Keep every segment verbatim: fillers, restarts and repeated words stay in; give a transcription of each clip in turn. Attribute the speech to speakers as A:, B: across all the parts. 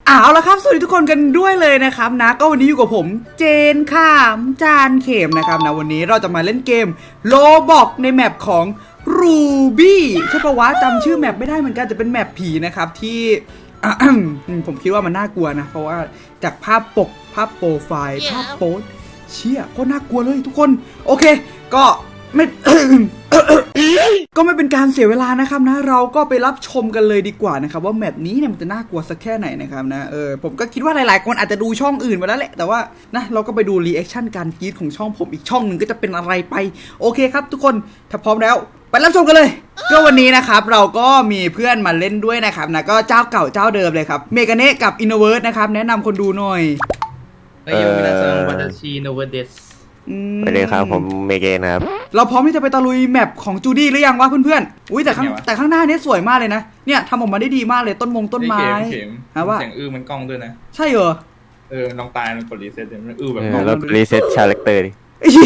A: เอาละครับสวัสดีทุกคนกันด้วยเลยนะครับนะก็วันนี้อยู่กับผมเจนข้ามจานเข็มนะครับนะวันนี้เราจะมาเล่นเกมโลบอกในแมปของ Ruby ใช่ปะวะจำชื่อแมปไม่ได้เหมือนกันจะเป็นแมปผีนะครับที่ผมคิดว่ามันน่ากลัวนะเพราะว่าจากภาพปกภาพโปรไฟล์ภาพโพสเชี่ยก็น่ากลัวเลยทุกคนโอเคก็ไม่ ก็ไม่เป็นการเสียเวลานะครับนะเราก็ไปรับชมกันเลยดีกว่านะครับว่าแมปนี้เนี่ยมันจะน่ากลัวสักแค่ไหนนะครับนะเออผมก็คิดว่าหลายๆคนอาจจะดูช่องอื่นมาแล้วแหละแต่ว่านะเราก็ไปดูรีแอคชั่นการกรีดของช่องผมอีกช่องหนึ่งก็จะเป็นอะไรไปโอเคครับทุกคนถ้าพร้อมแล้วไปรับชมกันเลยก็วันนี้นะครับเราก็มีเพื่อนมาเล่นด้วยนะครับนะก็เจ้าเก่าเจ้าเดิมเลยครับเมกาเนะกับอินโนเวิร์สนะครับแนะนำคนดูหน่อย
B: เฮ้ยมินาซังวัตชิโนเวเดส
C: ไปเลยครับผมเมเกนครับ
A: เราพร้อมที่จะไปตะลุยแมปของจูดี้หรือยังวะเพื่อนๆอุ้ยแต่ข้างแต่ข้างหน้านี้สวยมากเลยนะเนี่ยทำออกมาได้ดีมากเลยต้นมงต้นไม้
B: ฮะว่าเสียงอื้อมันกล้องด้วยนะ
A: ใช่เหรอ
B: เออลองตายมันกดรีเซ็ตมันอื้อแบบ
C: แล้วรีเซ็ตชาแรคเตอร์ดิ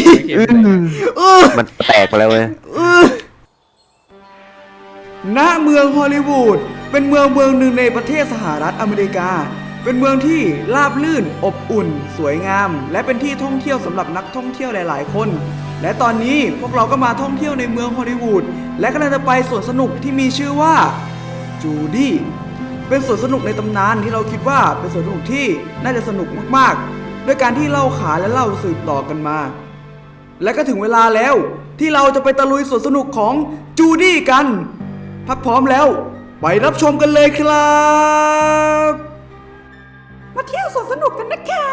C: มันแตกไปแล้วเว้ย
A: ณเมืองฮอลลีวูดเป็นเมืองเมืองหนึ่งในประเทศสหรัฐอเมริกาเป็นเมืองที่ราบรื่นอบอุ่นสวยงามและเป็นที่ท่องเที่ยวสำหรับนักท่องเที่ยวหลายๆคนและตอนนี้พวกเราก็มาท่องเที่ยวในเมืองฮอลลีวูดและกำลังจะไปสวนสนุกที่มีชื่อว่าจูดี้เป็นสวนสนุกในตำนานที่เราคิดว่าเป็นสวนสนุกที่น่าจะสนุกมากๆด้วยการที่เล่าขานและเล่าสืบต่อกันมาและก็ถึงเวลาแล้วที่เราจะไปตะลุยสวนสนุกของจูดี้กันถ้าพร้อมแล้วไปรับชมกันเลยครับมาเที่ยวสวนสนุกกันนะคะ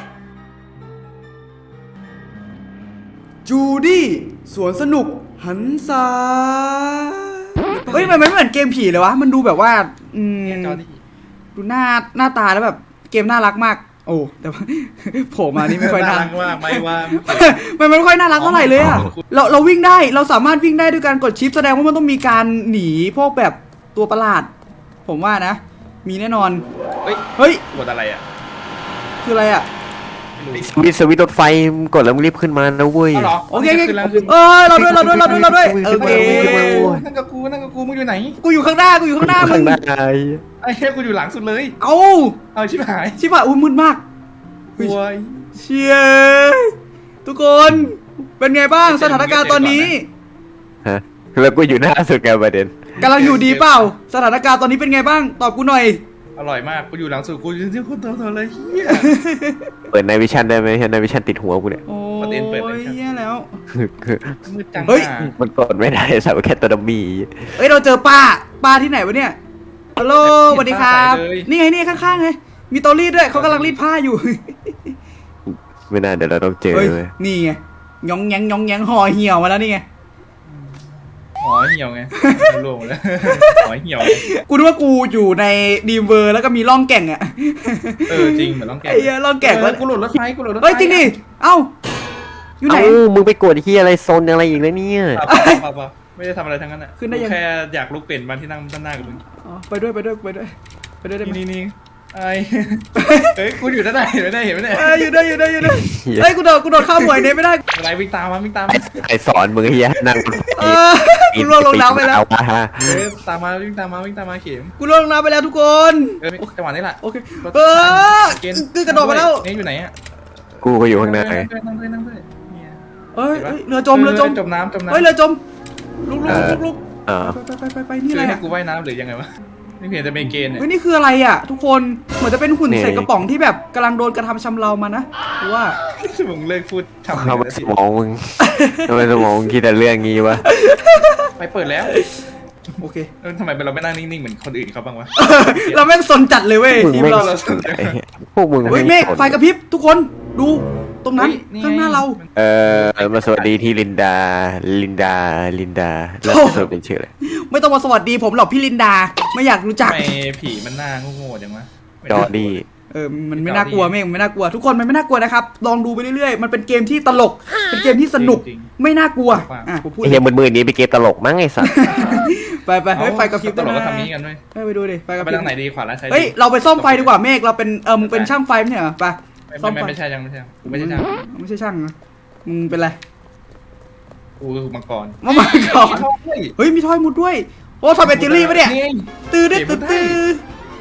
A: จูดี้สวนสนุกหันษาเฮ้ยมันไม่เหมือนเกมผีเลยวะมันดูแบบว่าอืมดูหน้าหน้าตาแล้วแบบเกมน่ารักมากโอ้แต่ว่าโผล่มานี่ไม่ค่อยน่ารัก
B: มากไม่ว่า
A: มันไม่ค่อยน่ารักเท่าไหร่เลยอะเราเราวิ่งได้เราสามารถวิ่งได้ด้วยการกดชิปแสดงว่ามันต้องมีการหนีพวกแบบตัวประหลาดผมว่านะมีแน่นอน
B: เฮ้ย
A: เฮ้ย
B: กดอะไรอ่ะ
A: คืออะไรอ่ะ
C: สวิตสวิตรถไฟกดแล้วมึงรีบขึ้นมานะเว้ย
A: โอเคเออเราด้วยเราด้วยเราด้วยเราด้วยโอเค
B: นั่งกับกูนั่งกับกูมึงอยู่ไหน
A: กูอยู่ข้างหน้ากูอยู่ข้างหน้ามึง
B: ไอ้แค่กูอยู่หลังสุดเลย
A: เอ้า
B: เอาชิบหาย
A: ชิบหายอุ้ยมืดมาก
B: โว้ย
A: เชียร์ทุกคนเป็นไงบ้างสถานการณ์ตอนนี้
C: ฮะแล้วกูอยู่หน้าสุดไงประเด็น
A: กำลังอยู่ดีเปล่าสถานการณ์ตอนนี้เป็นไงบ้างตอบกูหน่อย
B: อร่อยมากกูอยู่หลังสุดกูยืนที่คนตัวๆเลยเฮีย
C: เปิดในวิชั่นได้ไหมในวิชั่นติดหัวกูเนี่ย
A: โอ้ยเฮียแล้ว
B: มืดจัง
A: เฮ้ย
C: มันกดไม่ได้สับแค่ตัวดัมมี่
A: เฮ้ยเราเจอป้าป้าที่ไหนวะเนี่ยฮัลโหลสวัสดีครับนี่ไงนี่ข้างๆไงมีเตารีดด้วยเขากำลังรีดผ้าอยู่
C: ไม่น่าเดี๋ยวเราต้องเจอเลย
A: นี่ไงยองแยงยองแยงห่อเหี่ยวมาแล้วนี่ไง
B: หอเหี่ยวไงรวมเลยหอเหี่ยว
A: กูนึกว่ากูอยู่ในดีมเวอร์แล้วก็มีร่องแก่งอ่ะ
B: เออจริงเหมือนร่องแก่ง
A: ไอ้เหี้ยร่องแก่งแล้ว
B: กูหลุดรถไฟกูหลุดรถไฟ
A: เฮ้ยจริงดิเอ้าอยู่ไหน
C: มึงไปกดที่อะไรโซนอะไรอีกแล้วเนี่ย
B: ไม่ได้ทำอะไรทั้งนั้นอ่ะคือแค่อยากลุกเปลี่ยนมาที่นั่งด้านหน้ากับมึง
A: ไปด้วยไปด้วยไปด้วยไปด้วย
B: นี่นี่ไอ้เฮ้ยกูอยู่ด้านไหนเห็นไหมเห็นไหมเนี่ย
A: อยู่ได้อยู่ได้อยู่ได้เฮ้ยกูโดดกูโดดข้ามหัวเนี่ยไม่ได้
B: อะไรวิ่งตามมาวิ่งตาม
C: ใครสอนมึงเฮียนั่ง
A: กูล่วงลงน้ำไปแล้ว
B: ตามมาวิ่งตามมาวิ่งตามมาเข็ม
A: กูล่วงลงน้ำไปแล้วทุกคน
B: เออจังหวะนี้แหละ
A: โอเคเออคือกระโดดมาแล้ว
B: นี่อยู่ไหนอ่ะ
C: กูก็อยู่ข้างหน้า
B: นั่งด้วยนั่งด้วยนั่งด้วย
A: เอ้ยเรือจมเรือจม
B: จมน้ำจมน้ำ
A: เฮ้ยเรือจมลุกลุกลุกลุกไปไปไปไปนี่อะไร
B: ให้กูว่ายน้ำหรือยังไงวะนี่เห็นจะเป็นเกณฑ์เนี่ย
A: เฮ้ยนี่คืออะไรอ่ะทุกคนเหมือนจะเป็นหุ่นใส่กระป๋องที่แบบกำลังโดนกระทำชำเรามานะว่า
B: มึงเลิกพูด
C: ทำทำไมสมองมึงทำไมสมองคิดแต่เรื่องงี้วะ
B: ไปเปิดแล้ว
A: โอเค
B: ทำไมเราไม่นั่งนิ่งๆเหมือนคนอื่นเขาบ้างวะ
A: เราแม่งสนจัดเลยเว้ย
C: ทีมเราพวกมึง
A: เฮ้ยเมฆไฟกระพริบทุกคนดูตรงนั้นข้างหน้าเรา
C: เออมาสวัสดีที่ลินดาลินดาลินดาแล้วเธอเป็นชื่ออะไร
A: ไม่ต้องมาสวัสดีผมหรอกพี่ลินดาไม่อยากรู้จัก
B: ทำไมผีมันหน้าโง่ๆจังวะ
C: จอร์ดี้
A: เออมันไม่น่ากลัวเมฆมันไม่น่ากลัวทุกคนมันไม่น่ากลัวนะครับลองดูไปเรื่อยๆมันเป็นเกมที่ตลกเป็นเกมที่สนุกไม่น่ากลัว
C: อ่ะผมพูดไอ้เหี้ยมือๆนี้เป็นเกมตลกมั้งไอ้สัส
A: ไปไปเฮ้ยไฟกระพริบ
B: ตลกก็ทำนี้กันด้วย
A: ไปดูดิไฟกระพริบ
B: ไปทางไหนดีขวาแล้วใช่
A: เฮ้ยเราไปซ่อมไฟดีกว่าเมฆเราเป็นเออมึงเป็นช่างไฟไม่ใช่เหรอไป
B: ซ่อมไฟไม่ใช่ยังไม่ใช่กูไม่ใช่ช่าง
A: ไม่ใช่ช่างนะมึงเป็นไร
B: กูคือมังกร
A: มังกรเฮ้ยมีทอยมุดด้วยโอ้ทำเป็นจิลลี่ปะเนี่ยตื้อตื้อตื้อ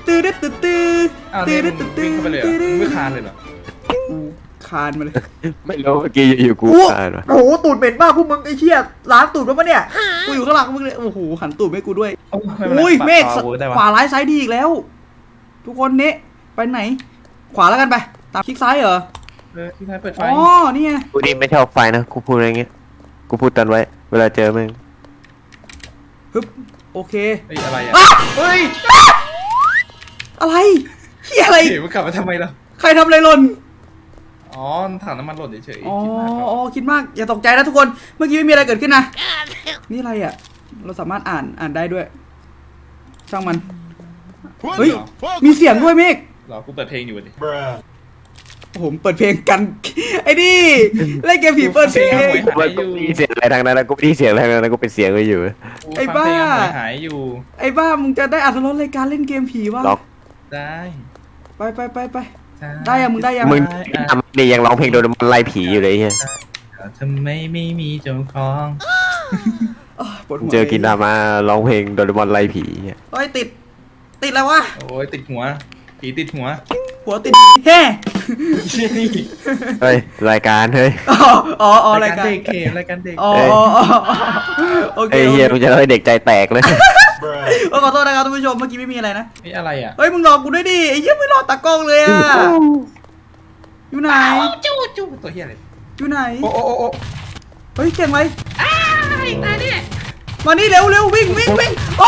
A: ตื้อตื้อตื้อตื้อ
B: อ้าว
A: ตื้
B: เนี่
A: อย
B: มึ
A: ตื้
B: ง
A: อตื้อ
B: วิ่งเข้าไปเลยเหรอมึงไม่คานเลยเหรอ
A: คานมาเลย
C: ไม่รู้เมื่อกี้อยู่ๆกู
A: โอ้
C: อ่านวะ
A: โหตูดเหม็นมากพวกมึงไอ้เชี่ยล้างตูดมาปะเนี่ยกูอยู่ข้างหลังมึงเลยโอ้โหหันตูดให้กูด้วย
B: โอ้
A: อุ้ยเมฆ
B: ขวาเวิร์กได้
A: ขวาว
B: ะ
A: ร้ายซ้ายดีอีกแล้ว ทุกคนเนะไปไหน ขวาแล้วกันไปตามคลิกซ้ายเหรอ
B: เออที่ท้ายเปิดไฟ
A: อ๋อนี่ไง
C: กูนี่ไม่ชอบไฟนะกูพูดอะไรเงี้ยกูพูดตันไว้ เวลาเจอมึง
A: ฮึบโอเค
B: เฮ้ยอะไรอ่ะ
A: อ่ะ
B: เฮ้ย
A: อะไรเฮียอะไร
B: เฮ้ยมันกลับมาทำไมล่ะ
A: ใครทำอะไรหล่น
B: อ๋อถังน้ำมันหล่นเฉยๆ
A: อ๋อ
B: คิดมากครับ
A: อ๋อคิดมากอย่าตกใจนะทุกคนเมื่อกี้ไม่มีอะไรเกิดขึ้นนะนี่อะไรอ่ะ เราสามารถอ่านอ่านได้ด้วย ช่างมันเฮ้ยมีเสียงด้วยเมฆ
B: เหรอกูเปิดเพลงอยู่ดิ
A: ผมเปิดเพลงกัน ไอ้นี่เล่นเกมผีเปิดเพลง
C: กูไม่กูไม่ได้ยินเสียงอะไรทางนั้นนะกูไม่ได้ยินเสียงอะไรทางนั้นนะกูเป็นเสียงไว้อยู่
B: กู
A: ไอ้
B: ฟังเพลง
A: บ้า
B: หายหายอยู่
A: ไอ้บ้ามึงจะได้อัตรสในการเล่นเกมผีวะ
C: ล็อก
B: ได้
A: ไปไปไปไป ได้ยังมึงได้ยัง
C: มึงทำนี่ยังร้องเพลงโดนมันไล่ผีอยู่เลยเฮีย
B: ทำไมไม่มีเจ้าของ
A: อ้าวปวดหัว
C: เจอกินดามาร้องเพลงโดนมันไล่ผีเฮีย
A: เฮ้ยติด ติดแล้ววะ
B: โอ้ยติดหัวผีติดหัว
A: หัวติดแฮ่
B: เชี่ยนี่
C: เฮ้ยรายการเฮ้ย
A: อ๋ออ๋ออ๋อรายการ
B: เด็กเกมรายการเด็ก
A: อ๋อ
C: เอ้ย
A: อ๋ออ๋อโอเค
C: ไอ้เฮียมึงจะให้เด็กใจแตกเลย
A: เออขอโทษนะครับท่านผู้ชมเมื่อกี้ไม่มีอะไรนะ
B: นี่อะไรอ่ะ
A: เฮ้ยมึงรอกูด้วยดิไอ้เหี้ยไม่รอตากล้องเลยอ่ะอยู่ไหน
B: จู้จู้ตัวเฮียอะไร
A: อยู่ไหน
B: โอ้โอ้โอ้โอ้
A: เฮ้ยเก่งไหม
B: ตายดิ
A: มานี่เร็วเร็ววิ่งวิ่งวิ่งโอ้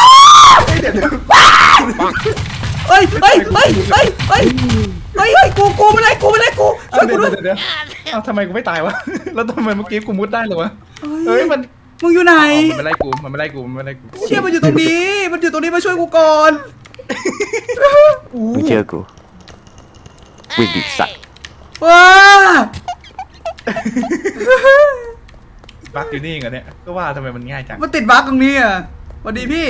A: เฮ้ยเฮ้ยเฮ้ยเฮ้ยเฮ้ยเฮ้ยเฮ้ยกูกูไม่ได้กูไม่ได้กูช่วยกู
B: เดี๋ยว
A: ด้วย
B: เดี๋ยวเดี๋ยวเอ้าทำไมกูไม่ตายวะ แล้วทำไมเมื่อกี้กูมุดได้เหรอวะ
A: เฮ้
B: เฮ้
A: ย
B: ยมัน
A: มึงอยู่ไหน
B: อ๋อมันไม่ไล่กูมันไม่ไล่กูมันไม่ไล่กู
A: เชี่ยมันอยู่ตรงนี้ มันอยู่ตรงนี้มาช่วยกูก่อน
C: มึงเชื่อกูวิ่งดิสัตว์
A: ว้า
B: บักอยู่นี่เองเหรอเนี่ยก็ว่าทำไมมันง่ายจัง
A: มันติดบั๊กตรงนี้อ่ะสวัสดีพี่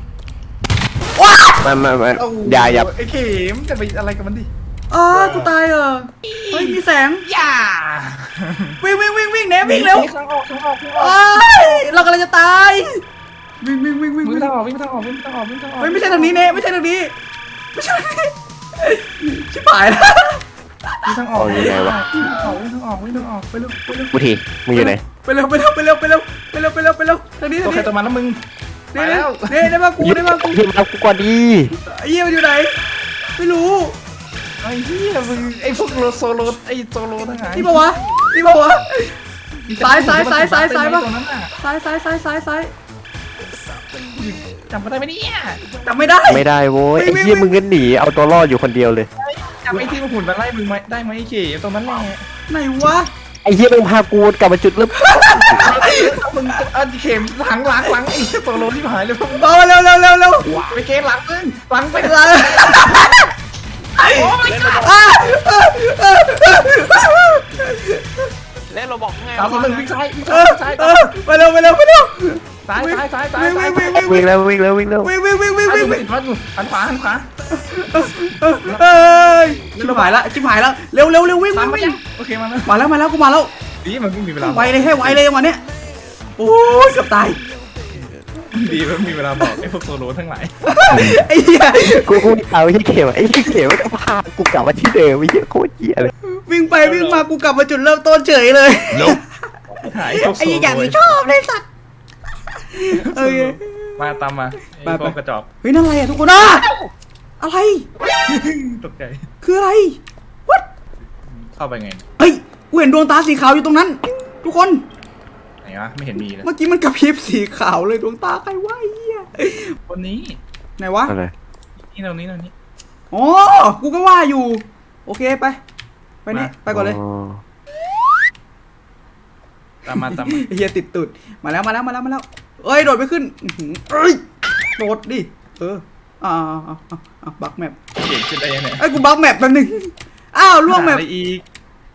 C: ไมันมันมัน
B: เอ้
C: อย่าอย่า
B: ไอ้เข็มจะไปอะไรกับมันดิ
A: อ๋อกูตายเหรอเฮ้ยมีแสง
B: อย่า
A: วิ่งวิ่งวิ่งวิ่งเนวิ่งเร็ว
B: ข้างออกข้างออกข้างออก
A: โอ้ยเรากำลังจะตาย วิ่งวิ่งวิ่งวิ่ง
B: วิ่
A: วิ่
B: ง
A: ง
B: ทางออกวิ่งทางออกวิ่งทางออกวิ่งทางออก
A: เฮ้ยไม่ใช่ทางนี้เนไม่ใช่ทางนี้ไม่ใช่ทางนี้ชิบหายแล้ว
B: วิ่งทางออกวิ่งทางออกวิ่งทางออกวิ่งทางออกไปเร็วไปเร็ว
C: กูทีมึงอยู่ไหน
A: ไปเร็วไปเร็วไปเร็วไปเร็วไปเร็วไปเร็วไปเร็วทางนี้
B: ตั
A: ทาว ง
B: ใคร
A: นี้
B: ตัวมันแล้วมึงไป
A: เน่
B: แล้ว
A: เน่ได้มากูได้มากู
C: ที่มากูก่อนดี
A: ไอ้เหี้ยมันอยู่ไหนไม่รู้
B: ไอ้เหี้ยมึงไอ้พวกโลโซโลไอ้โซโลทั้งหลาย
A: นี่ปะวะนี่ปะวะ ซ้ายซ้ายซ้ายซ้ายซ้ายปะ
B: ตรงนั้นน่ะ
A: ซ้ายซ้ายซ้ายซ้ายซ้าย
B: จำไม่ได้ไหมเนี่ย
A: จำไม่ได้
C: ไม่ได้โว้ย
A: ไม่
C: ไอ้
A: ไม่
C: เหี้ยมึงก็หนีเอาตัวรอดอยู่คนเดียวเลย
B: จำไอ้ที่มันหุ่นมาไล่มึงไหมได้ไหมไอ้เข็มตรงนั้นแหละ
A: ไหนวะ
C: ไอ้เหี้ยมึงพากูกลับมาจุดเริ่ม
B: มึงเออเข็มหลังหลังหลังไอ้โซโลที่หายเลยพวกมึง
A: เอาเร็วเร็วเร็วเร็ว
B: ไปเกมหลังมึงหลังไป
A: เร็วอ่ะ
C: เล่นเราบอกไง
B: สามหนึ่งวิ่งซ้ายวิ่ง
A: เอ
B: ซ้าย
A: อ
B: วิ่งซ้าย
A: เออไปเร็วไปเร็วไปเร็ว
B: ซ้ายซ้ายซ้ายซ้าย
A: วิ่ง
B: ซ้าย
A: วิ่งวิ่งวิ่ง
C: วิ่งแล้ววิ่งแล้ววิ่งแล้ว
A: วิ่งวิ่งวิ่งวิ่ง
B: วิ่
A: วิ่
B: ง
A: ง
B: วิ่งติดวัดอยู่หันขวาหันขวา
A: เอ้ยชิบหายละชิบหายแล้วเร็วเร็วเร็ววิ่ง
B: ตาม
A: วิ่ง
B: ไป
A: วิ่
B: ยัง งโอเคมาแล้ว
A: มาแล้วมาแล้วกูมาแล้ว
B: ดีมันไม่มีเวลา
A: ไวเลยให้ไวเลยวันเนี้ยโอ้ยเกือบตาย
B: ดีมันมีเวลาบอกไอ้พวกโซโลทั้งหลาย
A: ไอ้เหี้ย
C: กูกูเอาไอ้เข็มไอ้เข็มก็พากูกลับมาที่เดิมไอ้เหี้ยโคตรเหี้ยเลย
A: วิ่งไปวิ่งมากูกลับมาจุดเริ่มต้นเฉยเลย
B: หายพวกโซ
A: ไอ้
B: โล
A: อย่างนี้ชอบเลยสัตว์เอ้ย
B: มาตามมาไอ้พวกกระจอก
A: เฮ้ยนั่นอะไรอ่ะทุกคนอ่ะอะไร
B: ตกใจ
A: คืออะไร what
B: เข้าไปไง
A: เฮ้ยกูเห็นดวงตาสีขาวอยู่ตรงนั้น ทุกคน
B: ไหนวะไม่เห็นมีเลย
A: เมื่อกี้มันกระพริบสีขาวเลยดวงตาใครวะไอ้เหี้ย
B: คนนี้
A: ไหนวะ
C: อะไร
B: นี่ตรงนี้ตรงนี้
A: อ๋อกูก็ว่าอยู่ โอเคไป ไปนี่ไปก่อนเลย
B: ตามมาตามมา
A: ไอ้เหี้ยติดตุดมาแล้วมาแล้วมาแล้วมาแล้วเอ้ยโดดไปขึ้นอื้อหือเอ้ยโดดดิเอออ่าอ่าอ่าอ่าบักแมป
B: เก่งขึ้นได้ยังไง
A: ไอ้ยกูบักแมปแป๊บนึงอ้าวล่วงแมป
B: อะไรอีก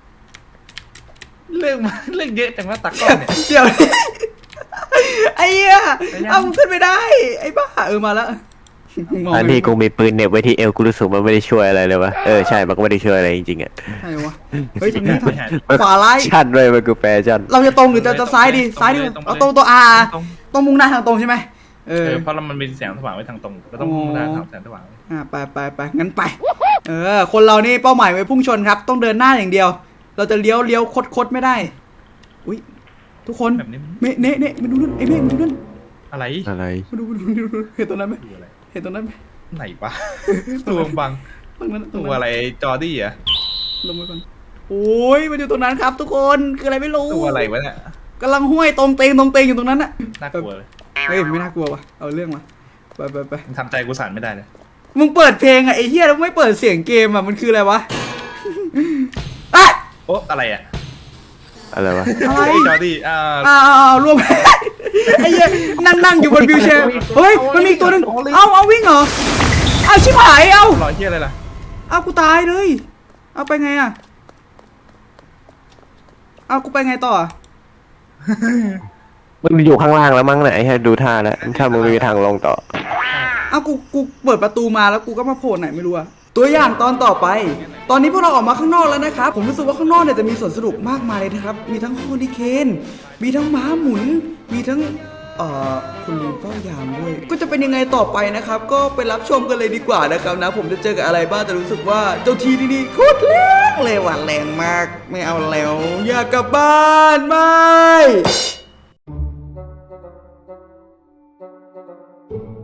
B: เรื่องมาเรื่องเยอะจังว่าตักกล้องเนี่ย
A: เดี๋ยว ไอ้เหี้ย
B: ไปยัง
A: เอามึงขึ้นไม่ได้ ไอ้บ้าเออมาแล้วมอง
C: อัน
A: ไม่
C: นี้กูมีปืนเหน็บไว้ที่เอวกูรู้สึกมันไม่ได้ช่วยอะไรเลยวะเออใช่มันก็ไม่ได้ช่วยอะไรจริงๆอ่ะ
A: ใช่วะเฮ้ยตรงนี้
B: ไม่หาย
A: ขวาร้าย
C: ชันเลยมันกูแปรชัน
A: เราจะตรงหรือจะจะซ้ายดีซ้ายดีเอาตรงตัวอาตรงมุ่งหน้าทางตรงใช่ไหมเอ
B: เอ
A: อ
B: อเพราะเรามันมีแสงสว่างไว้ทางตรงเราต้องมุ่งหน้าทางแสงสว่างไว้
A: อ่าไปไปไปงั้นไปเออคนเรานี่เป้าหมายไว้พุ่งชนครับต้องเดินหน้าอย่างเดียว เราจะเลี้ยวเลี้ยวคดคดไม่ได้อุ้ยทุกคน
B: แบบนี้มัน
A: เมเน่เน่มาดูนั่นไอ้เมฆมาดูนั่น
B: อะไร
C: อะไร
A: มาดูมาดูมาดูเห็นตรงนั้นไหม
B: ดูอะไร
A: เห็นตรงนั้นไหม
B: ไหนวะ ตัวบัง
A: ตรงนั้นตรง
B: ตัว
A: นั้น
B: อะไรจอร์ดี้อะ
A: ลงไปก่อนโอ้ยมันอยู่ตรงนั้นครับ ทุกคนคืออะไรไม่รู้
B: ตัวอะไรวะเนี่ย
A: กำลังห้วยตรงเตงตรงเตงอยู่ตรงนั้นน่ะ
B: น่ากลัวเลย
A: เฮ้ยไม่น่ากลัววะเอาเรื่องมาไปไปไป
B: มึงทำใจกูสั่นไม่ได้เลย
A: มึงเปิดเพลงอะไอ้เหี้ยแล้วไม่เปิดเสียงเกมอะมันคืออะไรวะอะ
B: โอ๊ะอะไรอะ
C: อะไรวะ
A: อะไร
B: ไอ้จอร์ดี้อ่า
A: อ้าวรวม ไอ้เหี้ยนั่งนั่งอยู่บนวิวแชร์เฮ้ยมันมีอีกตัวหนึงเอาเอาวิ่งเหรอเอาชิบหายเอา
B: รอยเฮียอะไรล่ะ
A: เอากูตายเลย เอาไปไงอะเอากูไปไงต่ออะ
C: มันอยู่ข้างล่างแล้วมั้งเนี่ยไอ้เหี้ยดูท่าแล้วถ้ามึงไม่มีทางลงต่อ
A: เอากูกูเปิดประตูมาแล้วกูก็มาโผล่ไหนไม่รู้อะตัวอย่างตอนต่อไป ตอนนี้พวกเราออกมาข้างนอกแล้วนะครับผมรู้สึกว่าข้างนอกเนี่ยจะมีสวนสนุกมากมายเลยนะครับมีทั้งโฮลิเคนมีทั้งม้าหมุน มีทั้งเอ่อคุณลุงเฝ้ายามด้วยก็จะเป็นยังไงต่อไปนะครับ ก็ไปรับชมกันเลยดีกว่านะครับนะ ผมจะเจอกับอะไรบ้างแต่รู้สึกว่าเจ้าทีที่นี่โคตรแรงเลยว่ะแรงมาก ไม่เอาแล้วอยากกลับบ้านไม่